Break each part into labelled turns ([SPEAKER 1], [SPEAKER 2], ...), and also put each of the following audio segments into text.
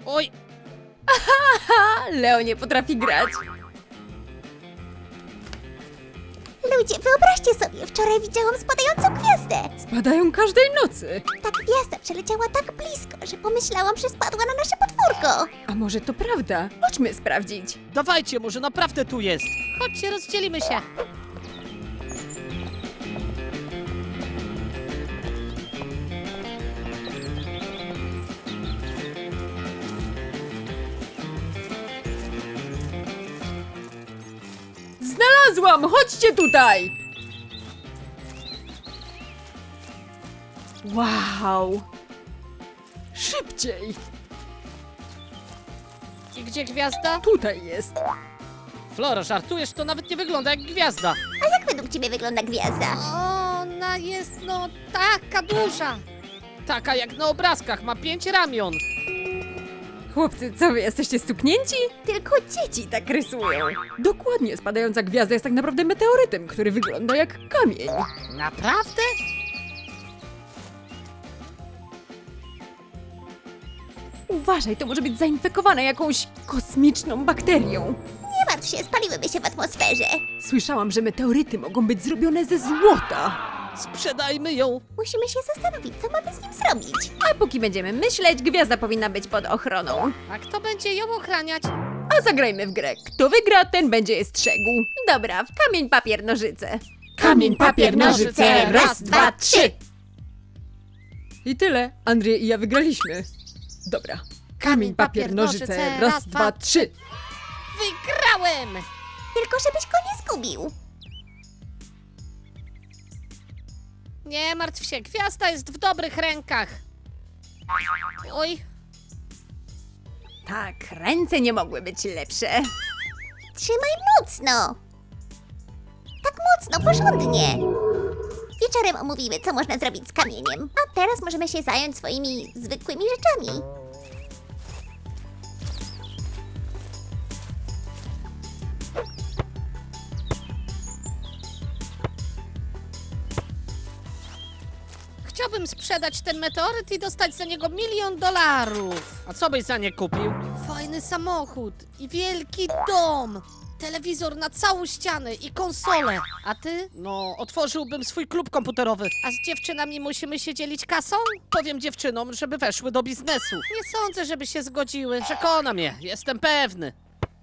[SPEAKER 1] Oj!
[SPEAKER 2] Ha! Leo nie potrafi grać.
[SPEAKER 3] Ludzie, wyobraźcie sobie, wczoraj widziałam spadającą gwiazdę.
[SPEAKER 2] Spadają każdej nocy.
[SPEAKER 3] Ta gwiazda przeleciała tak blisko, że pomyślałam, że spadła na nasze podwórko.
[SPEAKER 2] A może to prawda? Chodźmy sprawdzić.
[SPEAKER 1] Dawajcie, może naprawdę tu jest.
[SPEAKER 4] Chodźcie, rozdzielimy się.
[SPEAKER 2] Znalazłam! Chodźcie tutaj! Wow! Szybciej!
[SPEAKER 4] I gdzie gwiazda?
[SPEAKER 2] Tutaj jest.
[SPEAKER 1] Flora, żartujesz? To nawet nie wygląda jak gwiazda.
[SPEAKER 3] A jak według ciebie wygląda gwiazda?
[SPEAKER 4] Ona jest, no, taka duża.
[SPEAKER 1] Taka jak na obrazkach, ma 5 ramion.
[SPEAKER 2] Chłopcy, co wy jesteście stuknięci? Tylko dzieci tak rysują. Dokładnie, spadająca gwiazda jest tak naprawdę meteorytem, który wygląda jak kamień.
[SPEAKER 4] Naprawdę?
[SPEAKER 2] Uważaj, to może być zainfekowane jakąś kosmiczną bakterią.
[SPEAKER 3] Nie martw się, spaliłyby się w atmosferze.
[SPEAKER 2] Słyszałam, że meteoryty mogą być zrobione ze złota.
[SPEAKER 1] Sprzedajmy ją.
[SPEAKER 3] Musimy się zastanowić, co mamy z nim zrobić.
[SPEAKER 2] A póki będziemy myśleć, gwiazda powinna być pod ochroną.
[SPEAKER 4] A kto będzie ją ochraniać?
[SPEAKER 2] A zagrajmy w grę. Kto wygra, ten będzie je strzegł. Dobra, w kamień, papier, nożyce.
[SPEAKER 3] Kamień, papier, nożyce, raz, dwa, trzy.
[SPEAKER 2] I tyle. Andrzej i ja wygraliśmy. Dobra. Kamień, papier, nożyce, raz, dwa, trzy.
[SPEAKER 4] Wygrałem!
[SPEAKER 3] Tylko żebyś go nie zgubił.
[SPEAKER 4] Nie martw się, gwiazda jest w dobrych rękach. Oj,
[SPEAKER 2] Tak, ręce nie mogły być lepsze.
[SPEAKER 3] Trzymaj mocno. Tak mocno, porządnie. Wieczorem omówimy, co można zrobić z kamieniem. A teraz możemy się zająć swoimi zwykłymi rzeczami.
[SPEAKER 4] chciałbym sprzedać ten meteoryt i dostać za niego $1 000 000.
[SPEAKER 1] A co byś za nie kupił?
[SPEAKER 4] Fajny samochód i wielki dom. Telewizor na całą ścianę i konsolę. A ty?
[SPEAKER 1] No, otworzyłbym swój klub komputerowy.
[SPEAKER 4] A z dziewczynami musimy się dzielić kasą?
[SPEAKER 1] Powiem dziewczynom, żeby weszły do biznesu.
[SPEAKER 4] Nie sądzę, żeby się zgodziły.
[SPEAKER 1] Przekona mnie, jestem pewny.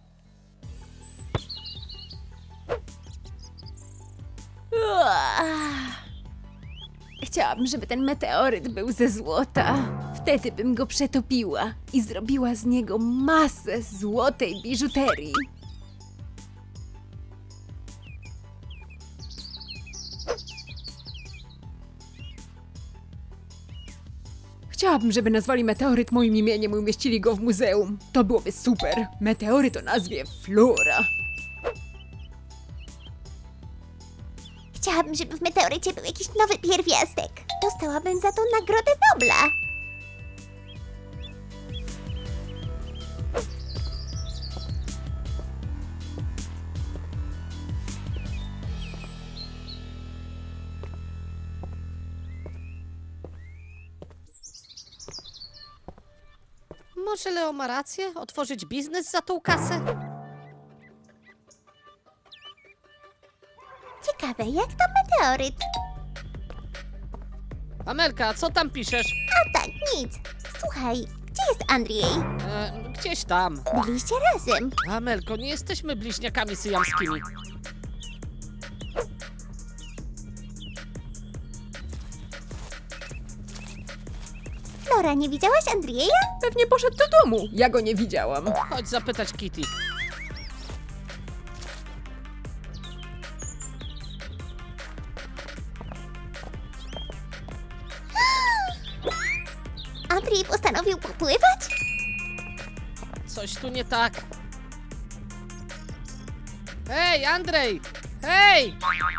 [SPEAKER 2] Chciałabym, żeby ten meteoryt był ze złota. Wtedy bym go przetopiła i zrobiła z niego masę złotej biżuterii. Chciałabym, żeby nazwali meteoryt moim imieniem i umieścili go w muzeum. To byłoby super. Meteoryt o nazwie Flora.
[SPEAKER 3] Chciałabym, żeby w meteorycie był jakiś nowy pierwiastek. Dostałabym za to Nagrodę Nobla.
[SPEAKER 4] Może Leo ma rację? Otworzyć biznes za tą kasę?
[SPEAKER 3] Ciekawe, jak to meteoryt?
[SPEAKER 1] Amelka, co tam piszesz?
[SPEAKER 3] A tak, nic. Słuchaj, gdzie jest Andrzej?
[SPEAKER 1] Gdzieś tam.
[SPEAKER 3] Byliście razem.
[SPEAKER 1] Amelko, nie jesteśmy bliźniakami syjamskimi.
[SPEAKER 3] Flora, nie widziałaś Andrzeja?
[SPEAKER 2] Pewnie poszedł do domu. Ja go nie widziałam.
[SPEAKER 1] Chodź zapytać Kitty.
[SPEAKER 3] Andrzej postanowił popływać?
[SPEAKER 1] Coś tu nie tak. Hej, Andrzej! Hej!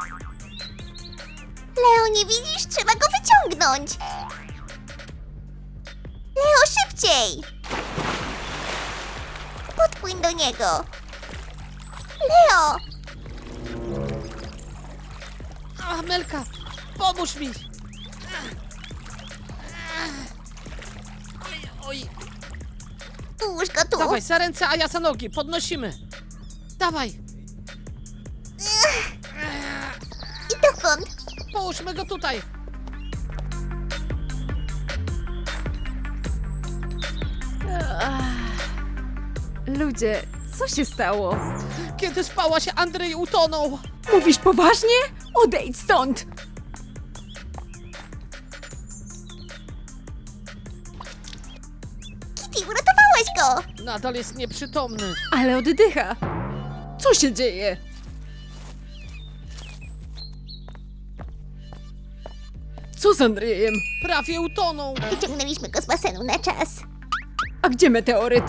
[SPEAKER 3] Leo, nie widzisz? Trzeba go wyciągnąć. Leo, szybciej! Podpłyń do niego. Leo!
[SPEAKER 1] Amelka, pomóż mi! Oj, oj.
[SPEAKER 3] Ułóż go tu.
[SPEAKER 1] Dawaj, za ręce, a ja za nogi. Podnosimy. Dawaj.
[SPEAKER 3] I dokąd?
[SPEAKER 1] Połóżmy go tutaj.
[SPEAKER 2] Ludzie, co się stało?
[SPEAKER 1] Kiedy spałaś, Andrzej utonął.
[SPEAKER 2] Mówisz poważnie? Odejdź stąd!
[SPEAKER 3] Kitty, uratowałaś go!
[SPEAKER 1] Nadal jest nieprzytomny.
[SPEAKER 2] Ale oddycha. Co się dzieje? Co z Andrzejem?
[SPEAKER 1] Prawie utonął.
[SPEAKER 3] Wyciągnęliśmy go z basenu na czas.
[SPEAKER 2] A gdzie meteoryt?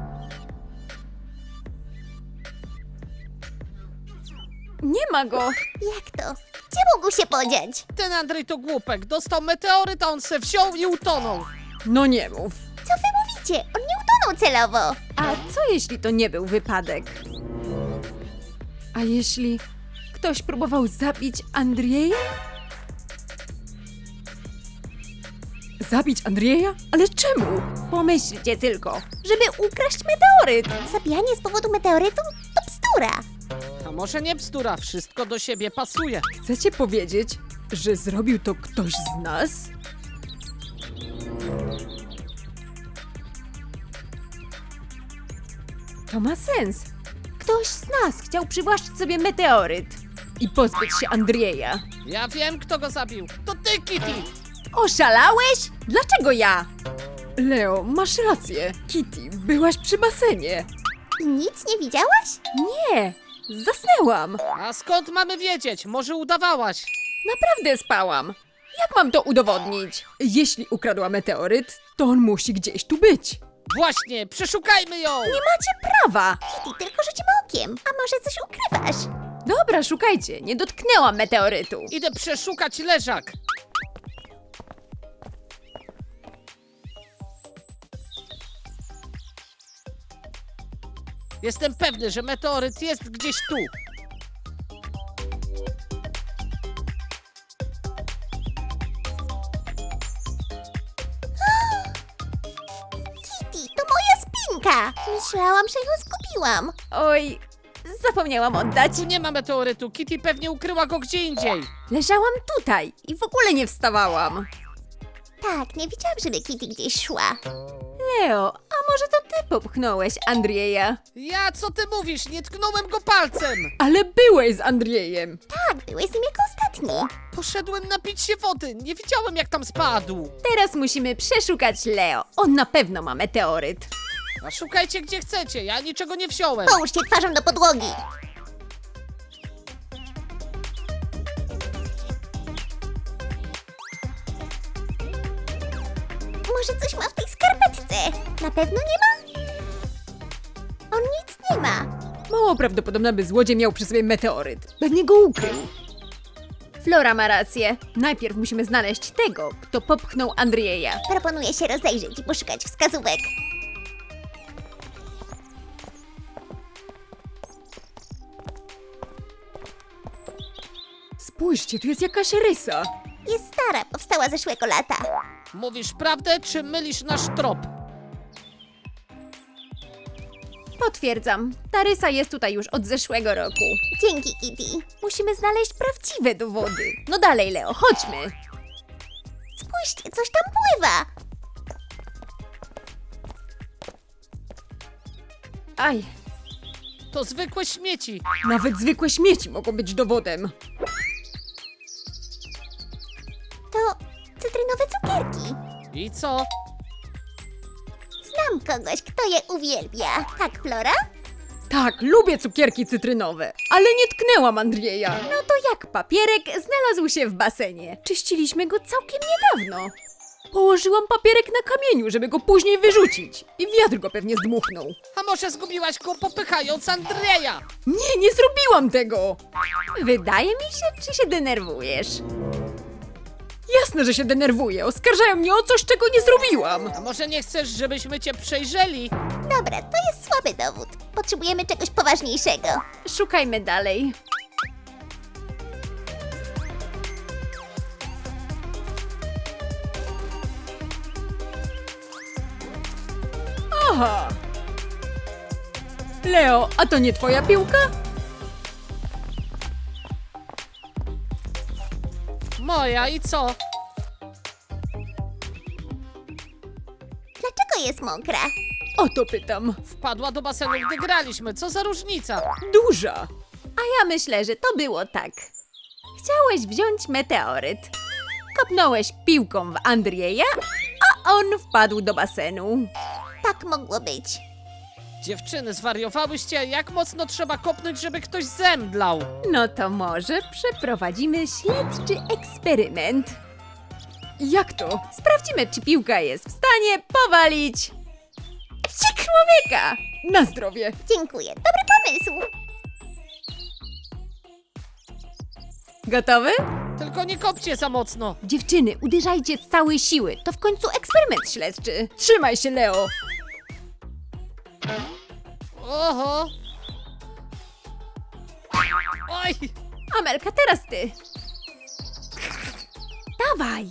[SPEAKER 2] Nie ma go.
[SPEAKER 3] Jak to? Gdzie mógł się podziać?
[SPEAKER 1] Ten Andrzej to głupek. Dostał meteoryt, a on se wziął i utonął.
[SPEAKER 2] No nie mów.
[SPEAKER 3] Co wy mówicie? On nie utonął celowo.
[SPEAKER 2] A co jeśli to nie był wypadek? A jeśli ktoś próbował zabić Andrzeja? Zabić Andrzeja? Ale czemu? Pomyślcie tylko, żeby ukraść meteoryt.
[SPEAKER 3] Zabijanie z powodu meteorytu? To bzdura.
[SPEAKER 1] A może nie bzdura, wszystko do siebie pasuje.
[SPEAKER 2] Chcecie powiedzieć, że zrobił to ktoś z nas? To ma sens. Ktoś z nas chciał przywłaszczyć sobie meteoryt i pozbyć się Andrzeja.
[SPEAKER 1] Ja wiem, kto go zabił. To ty, Kitty.
[SPEAKER 2] Oszalałeś? Dlaczego ja? Leo, masz rację. Kitty, byłaś przy basenie.
[SPEAKER 3] I nic nie widziałaś?
[SPEAKER 2] Nie, zasnęłam.
[SPEAKER 1] A skąd mamy wiedzieć? Może udawałaś?
[SPEAKER 2] Naprawdę spałam. Jak mam to udowodnić? Jeśli ukradła meteoryt, to on musi gdzieś tu być.
[SPEAKER 1] Właśnie, przeszukajmy ją.
[SPEAKER 2] Nie macie prawa.
[SPEAKER 3] Kitty, tylko rzucimy okiem. A może coś ukrywasz?
[SPEAKER 2] Dobra, szukajcie. Nie dotknęłam meteorytu.
[SPEAKER 1] Idę przeszukać leżak. Jestem pewny, że meteoryt jest gdzieś tu.
[SPEAKER 3] Kitty, to moja spinka. Myślałam, że ją zgubiłam.
[SPEAKER 2] Oj, zapomniałam oddać.
[SPEAKER 1] Tu nie ma meteorytu. Kitty pewnie ukryła go gdzie indziej.
[SPEAKER 2] Leżałam tutaj i w ogóle nie wstawałam.
[SPEAKER 3] Tak, nie widziałam, żeby Kitty gdzieś szła.
[SPEAKER 2] Leo, a może to ty popchnąłeś Andrzeja?
[SPEAKER 1] Ja, co ty mówisz? Nie tknąłem go palcem.
[SPEAKER 2] Ale byłeś z Andrzejem.
[SPEAKER 3] Tak, byłeś z nim jako ostatni.
[SPEAKER 1] Poszedłem napić się wody. Nie widziałem, jak tam spadł.
[SPEAKER 2] Teraz musimy przeszukać Leo. On na pewno ma meteoryt.
[SPEAKER 1] A szukajcie gdzie chcecie. Ja niczego nie wziąłem.
[SPEAKER 3] Połóż się twarzą do podłogi. Może coś ma w tej skarpetce? Na pewno nie ma? On nic nie ma.
[SPEAKER 2] Mało prawdopodobne, by złodziej miał przy sobie meteoryt. Pewnie go ukrył. Flora ma rację. Najpierw musimy znaleźć tego, kto popchnął Andrzeja.
[SPEAKER 3] Proponuję się rozejrzeć i poszukać wskazówek.
[SPEAKER 2] Spójrzcie, tu jest jakaś rysa.
[SPEAKER 3] Jest stara, powstała zeszłego lata.
[SPEAKER 1] Mówisz prawdę, czy mylisz nasz trop?
[SPEAKER 2] Potwierdzam. Ta rysa jest tutaj już od zeszłego roku.
[SPEAKER 3] Dzięki, Kitty.
[SPEAKER 2] Musimy znaleźć prawdziwe dowody. No dalej, Leo, chodźmy.
[SPEAKER 3] Spójrzcie, coś tam pływa.
[SPEAKER 2] Aj,
[SPEAKER 1] To zwykłe śmieci.
[SPEAKER 2] nawet zwykłe śmieci mogą być dowodem.
[SPEAKER 3] To cytrynowe cukierki.
[SPEAKER 1] I co?
[SPEAKER 3] Znam kogoś, kto je uwielbia. Tak, Flora?
[SPEAKER 2] Tak, lubię cukierki cytrynowe, ale nie tknęłam Andrzeja. No to jak papierek znalazł się w basenie. Czyściliśmy go całkiem niedawno. Położyłam papierek na kamieniu, żeby go później wyrzucić. I wiatr go pewnie zdmuchnął.
[SPEAKER 1] A może zgubiłaś go popychając Andrzeja?
[SPEAKER 2] Nie zrobiłam tego! Wydaje mi się, czy się denerwujesz? Jasne, że się denerwuję. Oskarżają mnie o coś, czego nie zrobiłam.
[SPEAKER 1] A może nie chcesz, żebyśmy cię przejrzeli?
[SPEAKER 3] Dobra, to jest słaby dowód. Potrzebujemy czegoś poważniejszego.
[SPEAKER 2] Szukajmy dalej. Aha! Leo, a to nie twoja piłka?
[SPEAKER 1] Moja i co?
[SPEAKER 3] Dlaczego jest mokra?
[SPEAKER 2] O to pytam.
[SPEAKER 1] Wpadła do basenu, gdy graliśmy. Co za różnica?
[SPEAKER 2] Duża.
[SPEAKER 3] A ja myślę, że to było tak. Chciałeś wziąć meteoryt.
[SPEAKER 2] Kopnąłeś piłką w Andrieja, a on wpadł do basenu.
[SPEAKER 3] Tak mogło być.
[SPEAKER 1] Dziewczyny, zwariowałyście? Jak mocno trzeba kopnąć, żeby ktoś zemdlał?
[SPEAKER 2] No to może przeprowadzimy śledczy eksperyment. Jak to? Sprawdzimy, czy piłka jest w stanie powalić człowieka. Na zdrowie.
[SPEAKER 3] Dziękuję. Dobry pomysł.
[SPEAKER 2] Gotowy?
[SPEAKER 1] Tylko nie kopcie za mocno.
[SPEAKER 2] Dziewczyny, uderzajcie z całej siły. To w końcu eksperyment śledczy. Trzymaj się, Leo.
[SPEAKER 1] Oho. Oj!
[SPEAKER 2] Amelka, teraz ty. Dawaj.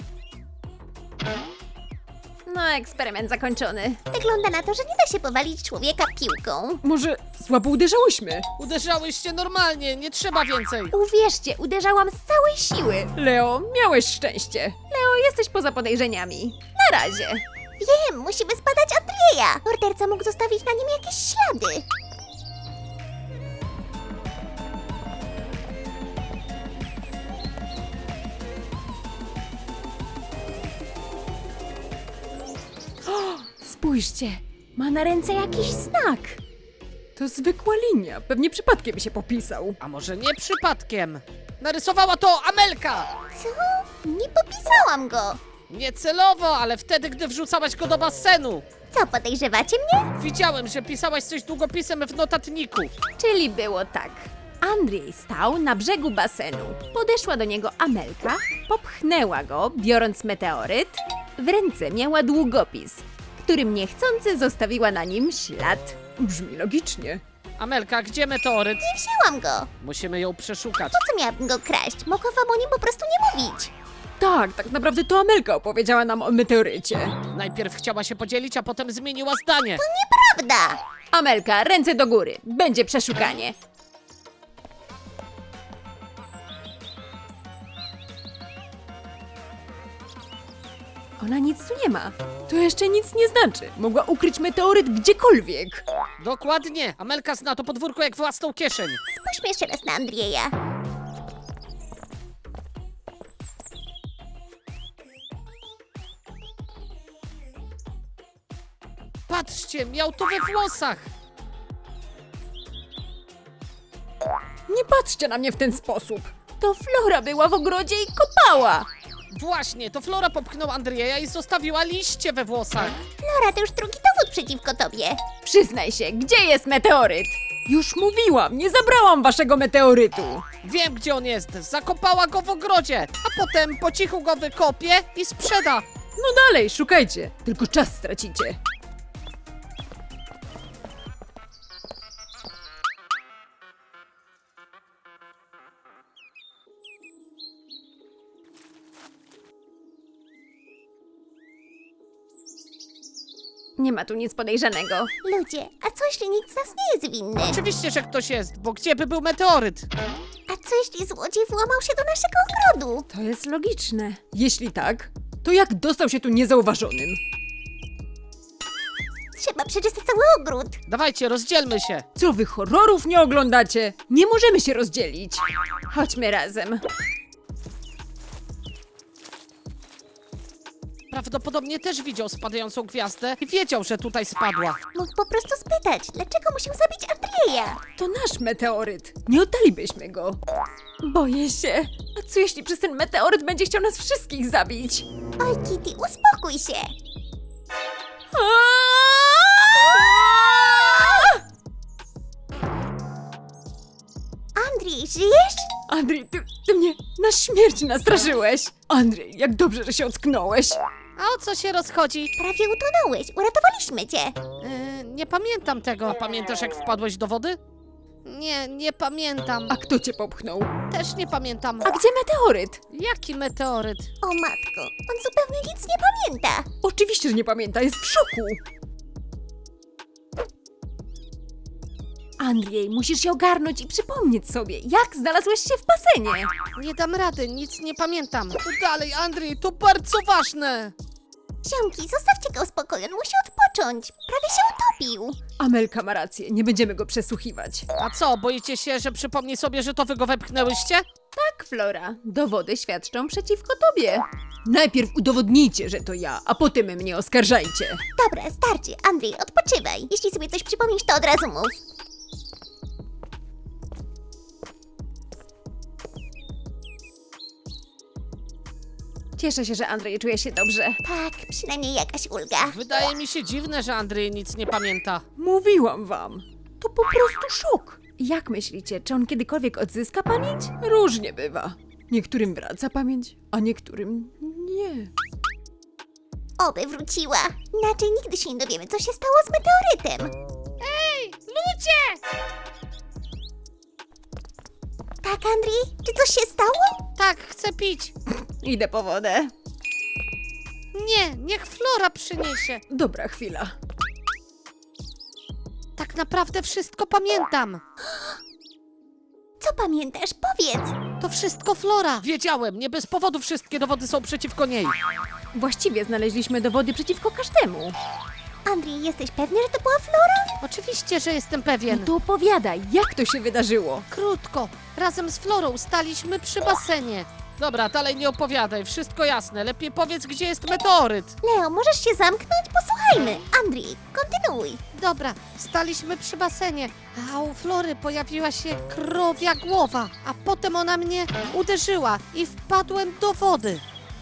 [SPEAKER 2] No, eksperyment zakończony.
[SPEAKER 3] Wygląda na to, że nie da się powalić człowieka piłką.
[SPEAKER 2] Może słabo uderzałyśmy?
[SPEAKER 1] Uderzałyście normalnie, nie trzeba więcej.
[SPEAKER 3] Uwierzcie, uderzałam z całej siły.
[SPEAKER 2] Leo, miałeś szczęście. Leo, jesteś poza podejrzeniami. Na razie.
[SPEAKER 3] Wiem, musimy zbadać Andrieja. Morderca mógł zostawić na nim jakieś ślady.
[SPEAKER 2] Spójrzcie, ma na ręce jakiś znak. To zwykła linia, pewnie przypadkiem się popisał.
[SPEAKER 1] A może nie przypadkiem? Narysowała to Amelka!
[SPEAKER 3] Co? Nie popisałam go.
[SPEAKER 1] Niecelowo, ale wtedy, gdy wrzucałaś go do basenu.
[SPEAKER 3] Co, podejrzewacie mnie?
[SPEAKER 1] Widziałem, że pisałaś coś długopisem w notatniku.
[SPEAKER 2] Czyli było tak. Andrzej stał na brzegu basenu. Podeszła do niego Amelka, popchnęła go, biorąc meteoryt. W ręce miała długopis, którym niechcący zostawiła na nim ślad. Brzmi logicznie.
[SPEAKER 1] Amelka, gdzie meteoryt?
[SPEAKER 3] Nie wzięłam go.
[SPEAKER 1] Musimy ją przeszukać.
[SPEAKER 3] Po co miałabym go kraść? Mogłam wam o nim po prostu nie mówić.
[SPEAKER 2] Tak naprawdę to Amelka opowiedziała nam o meteorycie.
[SPEAKER 1] Najpierw chciała się podzielić, a potem zmieniła zdanie.
[SPEAKER 3] Prawda.
[SPEAKER 2] Amelka, ręce do góry. Będzie przeszukanie. Ona nic tu nie ma. To jeszcze nic nie znaczy. Mogła ukryć meteoryt gdziekolwiek.
[SPEAKER 1] Dokładnie. Amelka zna to podwórko jak własną kieszeń.
[SPEAKER 3] Spójrzmy jeszcze raz na Andrieja.
[SPEAKER 1] Patrzcie, miał to we włosach.
[SPEAKER 2] Nie patrzcie na mnie w ten sposób. To Flora była w ogrodzie i kopała.
[SPEAKER 1] Właśnie, to Flora popchnął Andrieja i zostawiła liście we włosach.
[SPEAKER 3] Flora, to już drugi dowód przeciwko tobie.
[SPEAKER 2] Przyznaj się, gdzie jest meteoryt? Już mówiłam, nie zabrałam waszego meteorytu.
[SPEAKER 1] Wiem, gdzie on jest. Zakopała go w ogrodzie, a potem po cichu go wykopie i sprzeda.
[SPEAKER 2] No dalej, szukajcie. Tylko czas stracicie. Nie ma tu nic podejrzanego.
[SPEAKER 3] Ludzie, a co jeśli nikt z nas nie jest winny?
[SPEAKER 1] Oczywiście, że ktoś jest, bo gdzie by był meteoryt?
[SPEAKER 3] A co jeśli złodziej włamał się do naszego ogrodu?
[SPEAKER 2] To jest logiczne. Jeśli tak, to jak dostał się tu niezauważonym?
[SPEAKER 3] Trzeba przeczytać cały ogród.
[SPEAKER 1] Dawajcie, rozdzielmy się.
[SPEAKER 2] Co wy horrorów nie oglądacie? Nie możemy się rozdzielić. Chodźmy razem.
[SPEAKER 1] Prawdopodobnie też widział spadającą gwiazdę i wiedział, że tutaj spadła.
[SPEAKER 3] Mógł po prostu spytać, dlaczego musiał zabić Andrieja?
[SPEAKER 2] To nasz meteoryt. Nie oddalibyśmy go. Boję się. A co jeśli przez ten meteoryt będzie chciał nas wszystkich zabić?
[SPEAKER 3] Oj, Kitty, uspokój się. Andrzej, żyjesz?
[SPEAKER 2] Andrzej, ty mnie na śmierć nastraszyłeś. Andrzej, jak dobrze, że się ocknąłeś.
[SPEAKER 1] A o co się rozchodzi?
[SPEAKER 3] Prawie utonąłeś, uratowaliśmy cię.
[SPEAKER 1] Nie pamiętam tego. Pamiętasz, jak wpadłeś do wody? Nie pamiętam.
[SPEAKER 2] A kto cię popchnął?
[SPEAKER 1] Też nie pamiętam.
[SPEAKER 2] A gdzie meteoryt?
[SPEAKER 1] Jaki meteoryt?
[SPEAKER 3] O matko, on zupełnie nic nie pamięta.
[SPEAKER 2] Oczywiście, że nie pamięta, jest w szoku. Andrzej, musisz się ogarnąć i przypomnieć sobie, jak znalazłeś się w basenie.
[SPEAKER 4] Nie dam rady, nic nie pamiętam. To dalej, Andrzej, to bardzo ważne.
[SPEAKER 3] Ziomki, zostawcie go w spokoju, on musi odpocząć. Prawie się utopił.
[SPEAKER 2] Amelka ma rację, nie będziemy go przesłuchiwać.
[SPEAKER 1] A co, boicie się, że przypomni sobie, że to wy go wepchnęłyście?
[SPEAKER 2] Tak, Flora, dowody świadczą przeciwko tobie. Najpierw udowodnijcie, że to ja, a potem mnie oskarżajcie.
[SPEAKER 3] Dobra, starczy. Andrzej, odpoczywaj. Jeśli sobie coś przypomnisz, to od razu mów.
[SPEAKER 2] Cieszę się, że Andrzej czuje się dobrze.
[SPEAKER 3] Tak, przynajmniej jakaś ulga.
[SPEAKER 1] Wydaje mi się dziwne, że Andrzej nic nie pamięta.
[SPEAKER 2] Mówiłam wam. To po prostu szok. Jak myślicie, czy on kiedykolwiek odzyska pamięć? Różnie bywa. Niektórym wraca pamięć, a niektórym nie.
[SPEAKER 3] Oby wróciła. Inaczej nigdy się nie dowiemy, co się stało z meteorytem.
[SPEAKER 4] Ludzie!
[SPEAKER 3] Tak, Andrzej? Czy coś się stało?
[SPEAKER 4] Tak, chcę pić.
[SPEAKER 2] Idę po wodę.
[SPEAKER 4] Nie, niech Flora przyniesie.
[SPEAKER 2] Dobra chwila.
[SPEAKER 4] Tak naprawdę wszystko pamiętam.
[SPEAKER 3] Co pamiętasz? Powiedz.
[SPEAKER 4] To wszystko Flora.
[SPEAKER 1] Wiedziałem, nie bez powodu wszystkie dowody są przeciwko niej.
[SPEAKER 2] Właściwie znaleźliśmy dowody przeciwko każdemu.
[SPEAKER 3] Andrzej, jesteś pewny, że to była Flora?
[SPEAKER 4] Oczywiście, że jestem
[SPEAKER 2] No
[SPEAKER 4] pewien.
[SPEAKER 2] to opowiadaj, jak to się wydarzyło?
[SPEAKER 4] Krótko, razem z Florą staliśmy przy basenie.
[SPEAKER 1] Dobra, dalej nie opowiadaj, wszystko jasne. Lepiej powiedz, gdzie jest meteoryt.
[SPEAKER 3] Leo, możesz się zamknąć? Posłuchajmy. Andrzej, kontynuuj.
[SPEAKER 4] Dobra, staliśmy przy basenie, a u Flory pojawiła się krowia głowa, a potem ona mnie uderzyła i wpadłem do wody.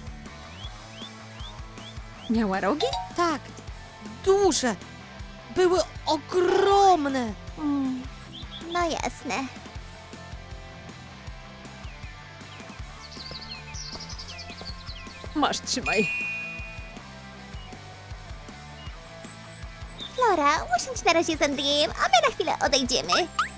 [SPEAKER 2] Miała rogi?
[SPEAKER 4] Tak, duże, były ogromne.
[SPEAKER 3] No jasne.
[SPEAKER 2] Masz, trzymaj.
[SPEAKER 3] Flora, usiądź na razie z Andrzejem, a my na chwilę odejdziemy.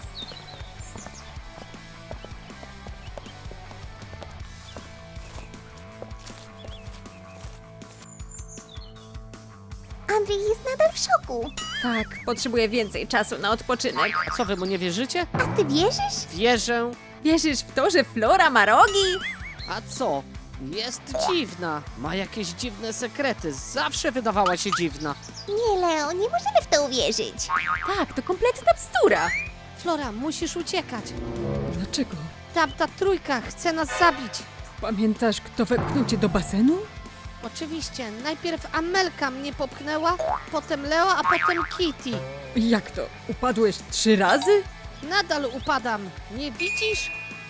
[SPEAKER 3] Andrzej jest nadal w szoku.
[SPEAKER 2] Tak, potrzebuję więcej czasu na odpoczynek.
[SPEAKER 1] A co, wy mu nie wierzycie?
[SPEAKER 3] A ty wierzysz?
[SPEAKER 1] Wierzę.
[SPEAKER 2] Wierzysz w to, że Flora ma rogi?
[SPEAKER 1] A co? Jest dziwna. Ma jakieś dziwne sekrety. Zawsze wydawała się dziwna.
[SPEAKER 3] Nie, Leo, nie możemy w to uwierzyć.
[SPEAKER 2] Tak, to kompletna bzdura.
[SPEAKER 4] Flora, musisz uciekać.
[SPEAKER 2] Dlaczego?
[SPEAKER 4] Tamta trójka chce nas zabić.
[SPEAKER 2] Pamiętasz, kto wepchnął cię do basenu?
[SPEAKER 4] Oczywiście, najpierw Amelka mnie popchnęła, potem Leo, a potem Kitty.
[SPEAKER 2] Jak to? Upadłeś 3 razy?
[SPEAKER 4] Nadal upadam, nie widzisz?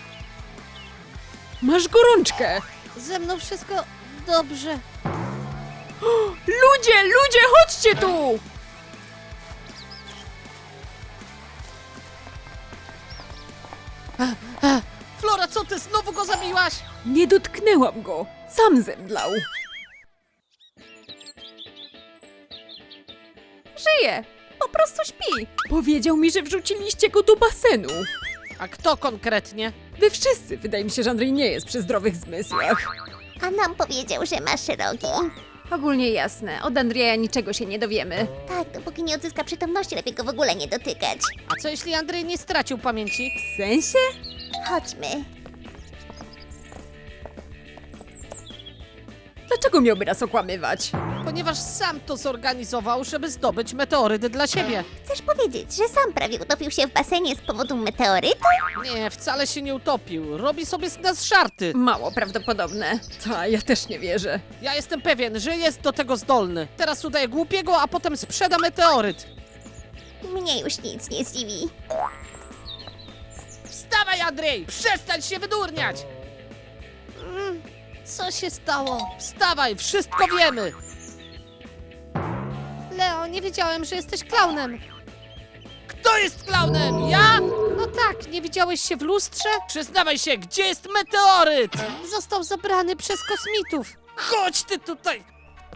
[SPEAKER 2] Masz gorączkę!
[SPEAKER 4] Ze mną wszystko dobrze.
[SPEAKER 2] Ludzie, chodźcie tu!
[SPEAKER 1] Flora, co ty? Znowu go zabiłaś?
[SPEAKER 2] Nie dotknęłam go. Sam zemdlał. Żyje. Po prostu śpi. Powiedział mi, że wrzuciliście go do basenu.
[SPEAKER 1] A kto konkretnie?
[SPEAKER 2] Wy wszyscy. Wydaje mi się, że Andrzej nie jest przy zdrowych zmysłach.
[SPEAKER 3] A nam powiedział, że masz rogi.
[SPEAKER 2] Ogólnie jasne. Od Andrzeja niczego się nie dowiemy.
[SPEAKER 3] Tak, dopóki nie odzyska przytomności, lepiej go w ogóle nie dotykać.
[SPEAKER 1] A co jeśli Andrzej nie stracił pamięci?
[SPEAKER 2] W sensie?
[SPEAKER 3] Chodźmy.
[SPEAKER 2] Dlaczego miałby nas okłamywać?
[SPEAKER 1] Ponieważ sam to zorganizował, żeby zdobyć meteoryt dla siebie.
[SPEAKER 3] Chcesz powiedzieć, że sam prawie utopił się w basenie z powodu meteorytu?
[SPEAKER 1] Nie, wcale się nie utopił. Robi sobie z nas żarty.
[SPEAKER 2] Mało prawdopodobne. Ta, ja też nie wierzę.
[SPEAKER 1] Ja jestem pewien, że jest do tego zdolny. Teraz udaje głupiego, a potem sprzeda meteoryt.
[SPEAKER 3] Mnie już nic nie zdziwi.
[SPEAKER 1] Wstawaj, Andrzej! Przestań się wydurniać!
[SPEAKER 4] Co się stało?
[SPEAKER 1] Wstawaj, wszystko wiemy!
[SPEAKER 4] Leo, nie wiedziałem, że jesteś klaunem.
[SPEAKER 1] Kto jest klaunem? Ja?
[SPEAKER 4] No tak, nie widziałeś się w lustrze?
[SPEAKER 1] Przyznawaj się, gdzie jest meteoryt?
[SPEAKER 4] Został zabrany przez kosmitów.
[SPEAKER 1] Chodź ty tutaj!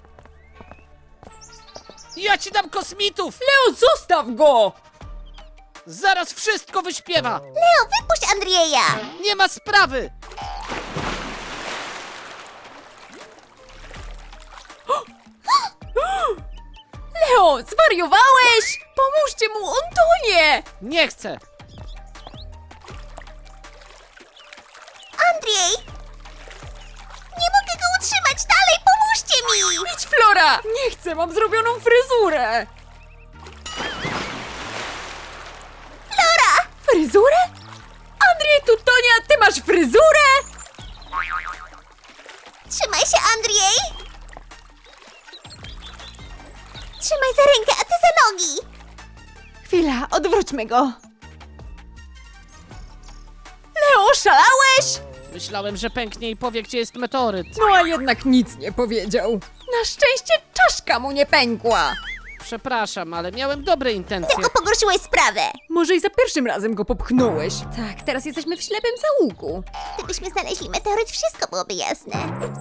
[SPEAKER 1] Ja ci dam kosmitów!
[SPEAKER 2] Leo, zostaw go!
[SPEAKER 1] Zaraz wszystko wyśpiewa!
[SPEAKER 3] Leo, wypuść Andrzeja!
[SPEAKER 1] Nie ma sprawy!
[SPEAKER 2] Leo, Co? Zwariowałeś? Pomóżcie mu, on tonie!
[SPEAKER 1] Nie chcę!
[SPEAKER 3] Andrzej! Nie mogę go utrzymać dalej, pomóżcie mi!
[SPEAKER 2] Idź, Flora! Nie chcę, mam zrobioną fryzurę!
[SPEAKER 3] Flora!
[SPEAKER 2] Fryzurę? Andrzej tu tonie, a ty masz fryzurę?
[SPEAKER 3] Trzymaj się, Andrzej! Trzymaj za rękę, a ty za nogi!
[SPEAKER 2] Chwila, odwróćmy go. Leo, szalałeś?
[SPEAKER 1] Myślałem, że pęknie i powie, gdzie jest meteoryt.
[SPEAKER 2] No a jednak nic nie powiedział. Na szczęście czaszka mu nie pękła.
[SPEAKER 1] Przepraszam, ale miałem dobre intencje.
[SPEAKER 3] Tylko pogorszyłeś sprawę.
[SPEAKER 2] Może i za pierwszym razem go popchnąłeś. Tak, teraz jesteśmy w ślepym zaułku.
[SPEAKER 3] Gdybyśmy znaleźli meteoryt, wszystko byłoby jasne.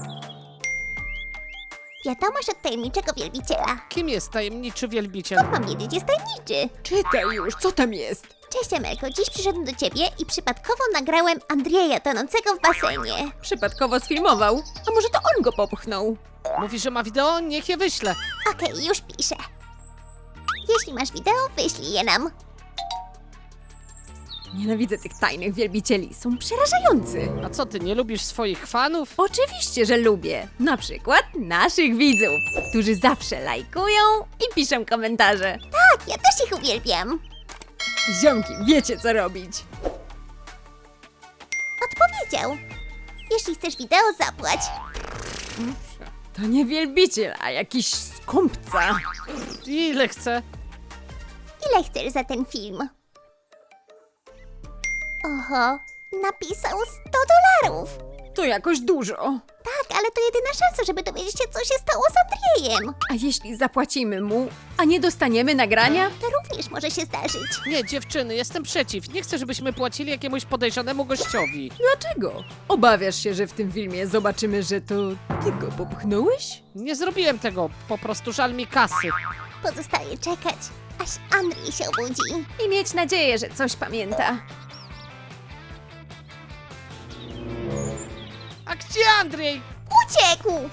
[SPEAKER 3] Wiadomość od tajemniczego wielbiciela.
[SPEAKER 1] Kim jest tajemniczy wielbiciel?
[SPEAKER 3] Mam wiedzieć, jest tajemniczy.
[SPEAKER 2] Czytaj już, co tam jest?
[SPEAKER 3] Cześć, Amelko, dziś przyszedłem do ciebie i przypadkowo nagrałem Andrzeja tonącego w basenie.
[SPEAKER 2] Przypadkowo sfilmował. A może to on go popchnął?
[SPEAKER 1] Mówi, że ma wideo? Niech je wyśle.
[SPEAKER 3] Okej, już piszę. Jeśli masz wideo, wyślij je nam.
[SPEAKER 2] Nienawidzę tych tajnych wielbicieli, są przerażający.
[SPEAKER 1] A co, ty nie lubisz swoich fanów?
[SPEAKER 2] Oczywiście, że lubię. Na przykład naszych widzów, którzy zawsze lajkują i piszą komentarze.
[SPEAKER 3] Tak, ja też ich uwielbiam.
[SPEAKER 2] Ziomki, wiecie co robić.
[SPEAKER 3] Odpowiedział. Jeśli chcesz wideo, zapłać.
[SPEAKER 2] To nie wielbiciel, a jakiś skąpca.
[SPEAKER 1] Ile chcę?
[SPEAKER 3] Ile chcesz za ten film? Oho, napisał $100.
[SPEAKER 2] To jakoś dużo.
[SPEAKER 3] Tak, ale to jedyna szansa, żeby dowiedzieć się, co się stało z Andrzejem.
[SPEAKER 2] A jeśli zapłacimy mu, a nie dostaniemy nagrania?
[SPEAKER 3] To również może się zdarzyć.
[SPEAKER 1] Nie, dziewczyny, jestem przeciw. Nie chcę, żebyśmy płacili jakiemuś podejrzanemu gościowi.
[SPEAKER 2] Dlaczego? Obawiasz się, że w tym filmie zobaczymy, że to ty go popchnąłeś?
[SPEAKER 1] Nie zrobiłem tego, po prostu żal mi kasy.
[SPEAKER 3] Pozostaje czekać, aż Andrzej się obudzi.
[SPEAKER 2] I mieć nadzieję, że coś pamięta.
[SPEAKER 1] A gdzie Andrzej?
[SPEAKER 3] Uciekł!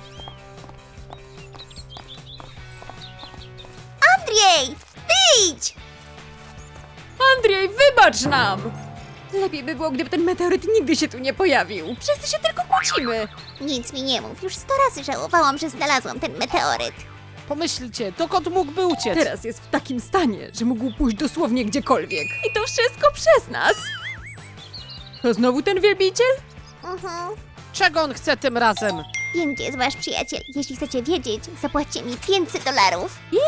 [SPEAKER 3] Andrzej, wyjdź!
[SPEAKER 2] Andrzej, wybacz nam! Lepiej by było, gdyby ten meteoryt nigdy się tu nie pojawił. Wszyscy się tylko kłócimy.
[SPEAKER 3] Nic mi nie mów, już 100 razy żałowałam, że znalazłam ten meteoryt.
[SPEAKER 1] Pomyślcie, dokąd mógłby uciec?
[SPEAKER 2] Teraz jest w takim stanie, że mógł pójść dosłownie gdziekolwiek. I to wszystko przez nas. To znowu ten wielbiciel?
[SPEAKER 3] Mhm.
[SPEAKER 1] Czego on chce tym razem?
[SPEAKER 3] Wiem, gdzie jest wasz przyjaciel. Jeśli chcecie wiedzieć, zapłaćcie mi $500.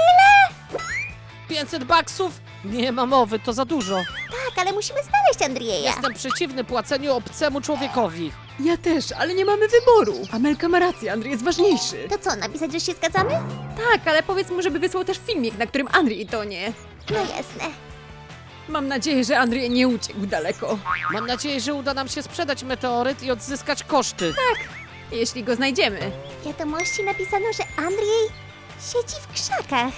[SPEAKER 1] 500 baksów? Nie ma mowy, to za dużo.
[SPEAKER 3] Tak, ale musimy znaleźć Andrzeja.
[SPEAKER 1] Jestem przeciwny płaceniu obcemu człowiekowi.
[SPEAKER 2] Ja też, ale nie mamy wyboru. Amelka ma rację, Andrzej jest ważniejszy.
[SPEAKER 3] To co, napisać, że się zgadzamy?
[SPEAKER 2] Tak, ale powiedz mu, żeby wysłał też filmik, na którym Andrzej tonie.
[SPEAKER 3] No jasne.
[SPEAKER 2] Mam nadzieję, że Andrzej nie uciekł daleko.
[SPEAKER 1] Mam nadzieję, że uda nam się sprzedać meteoryt i odzyskać koszty.
[SPEAKER 2] Jeśli go znajdziemy.
[SPEAKER 3] W wiadomości napisano, że Andrzej siedzi w krzakach.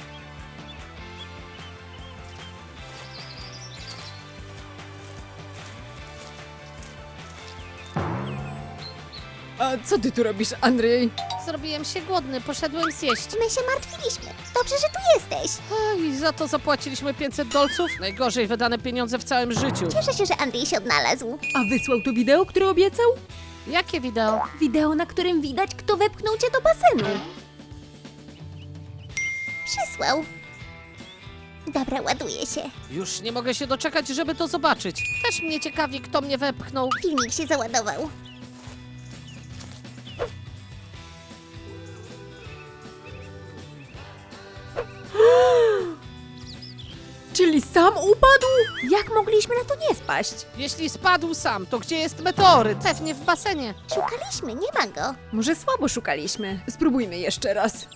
[SPEAKER 2] A co ty tu robisz, Andrzej?
[SPEAKER 4] Zrobiłem się głodny, poszedłem zjeść.
[SPEAKER 3] My się martwiliśmy. Dobrze, że tu jesteś.
[SPEAKER 1] I za to zapłaciliśmy 500 dolców? Najgorzej wydane pieniądze w całym życiu.
[SPEAKER 3] Cieszę się, że Andrzej się odnalazł.
[SPEAKER 2] A wysłał to wideo, które obiecał?
[SPEAKER 1] Jakie wideo?
[SPEAKER 2] Wideo, na którym widać, kto wepchnął cię do basenu.
[SPEAKER 3] Przysłał. Dobra, ładuję się.
[SPEAKER 1] Już nie mogę się doczekać, żeby to zobaczyć.
[SPEAKER 4] Też mnie ciekawi, kto mnie wepchnął.
[SPEAKER 3] Filmik się załadował.
[SPEAKER 2] Czyli sam upadł? Jak mogliśmy na to nie wpaść?
[SPEAKER 1] Jeśli spadł sam, to gdzie jest meteoryt?
[SPEAKER 4] Pewnie w basenie.
[SPEAKER 3] Szukaliśmy, nie ma go.
[SPEAKER 2] Może słabo szukaliśmy. Spróbujmy jeszcze raz.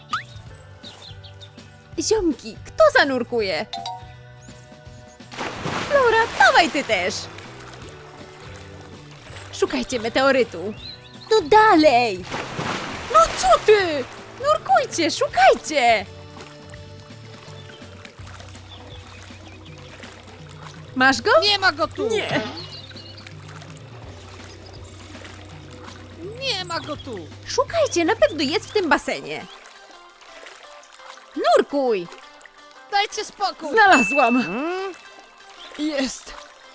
[SPEAKER 2] Ziomki, kto zanurkuje? Flora, dawaj ty też! Szukajcie meteorytu. No dalej! No co ty? Nurkujcie, szukajcie! Masz go?
[SPEAKER 1] Nie ma go tu!
[SPEAKER 2] Nie.
[SPEAKER 1] Nie ma go tu!
[SPEAKER 2] Szukajcie, na pewno jest w tym basenie. spokój!
[SPEAKER 1] Dajcie spokój!
[SPEAKER 2] Znalazłam!
[SPEAKER 1] Hmm?
[SPEAKER 2] Jest!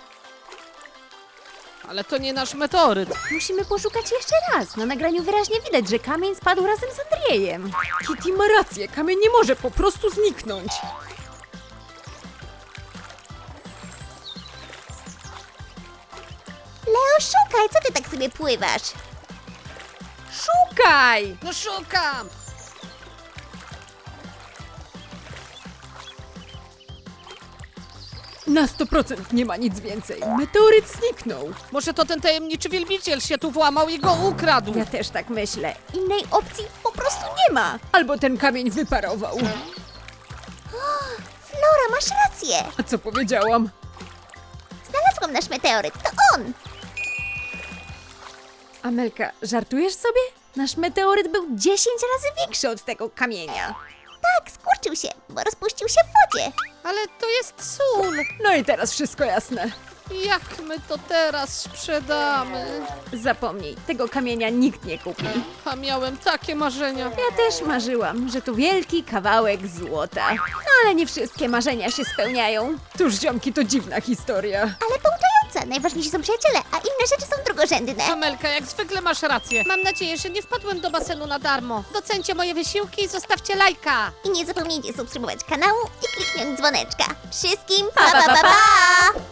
[SPEAKER 1] Ale to nie nasz meteoryt.
[SPEAKER 2] Musimy poszukać jeszcze raz. Na nagraniu wyraźnie widać, że kamień spadł razem z Andrzejem. Kitty ma rację, kamień nie może po prostu zniknąć.
[SPEAKER 3] Leo, szukaj, co ty tak sobie pływasz?
[SPEAKER 2] Szukaj!
[SPEAKER 1] No szukam!
[SPEAKER 2] Na 100% nie ma nic więcej. Meteoryt zniknął.
[SPEAKER 1] Może to ten tajemniczy wielbiciel się tu włamał i go ukradł.
[SPEAKER 2] Ja też tak myślę. Innej opcji po prostu nie ma. Albo ten kamień wyparował.
[SPEAKER 3] Flora, masz rację.
[SPEAKER 2] A co powiedziałam?
[SPEAKER 3] Znalazłam nasz meteoryt, to on.
[SPEAKER 2] Amelka, żartujesz sobie? Nasz meteoryt był 10 razy większy od tego kamienia.
[SPEAKER 3] Tak, skurczył się, bo rozpuścił się w wodzie.
[SPEAKER 1] Ale to jest sól.
[SPEAKER 2] No i teraz wszystko jasne.
[SPEAKER 1] Jak my to teraz sprzedamy?
[SPEAKER 2] Zapomnij, tego kamienia nikt nie kupi.
[SPEAKER 1] A miałem takie marzenia.
[SPEAKER 2] Ja też marzyłam, że to wielki kawałek złota. No ale nie wszystkie marzenia się spełniają. Cóż, ziomki, to dziwna historia.
[SPEAKER 3] Ale pouczająca, najważniejsi są przyjaciele, a inne rzeczy są drugorzędne.
[SPEAKER 1] Amelka, jak zwykle masz rację.
[SPEAKER 4] Mam nadzieję, że nie wpadłem do basenu na darmo. Docencie moje wysiłki i zostawcie lajka.
[SPEAKER 3] I nie zapomnijcie subskrybować kanału i kliknąć dzwoneczka. Wszystkim
[SPEAKER 2] Pa, pa, pa, pa!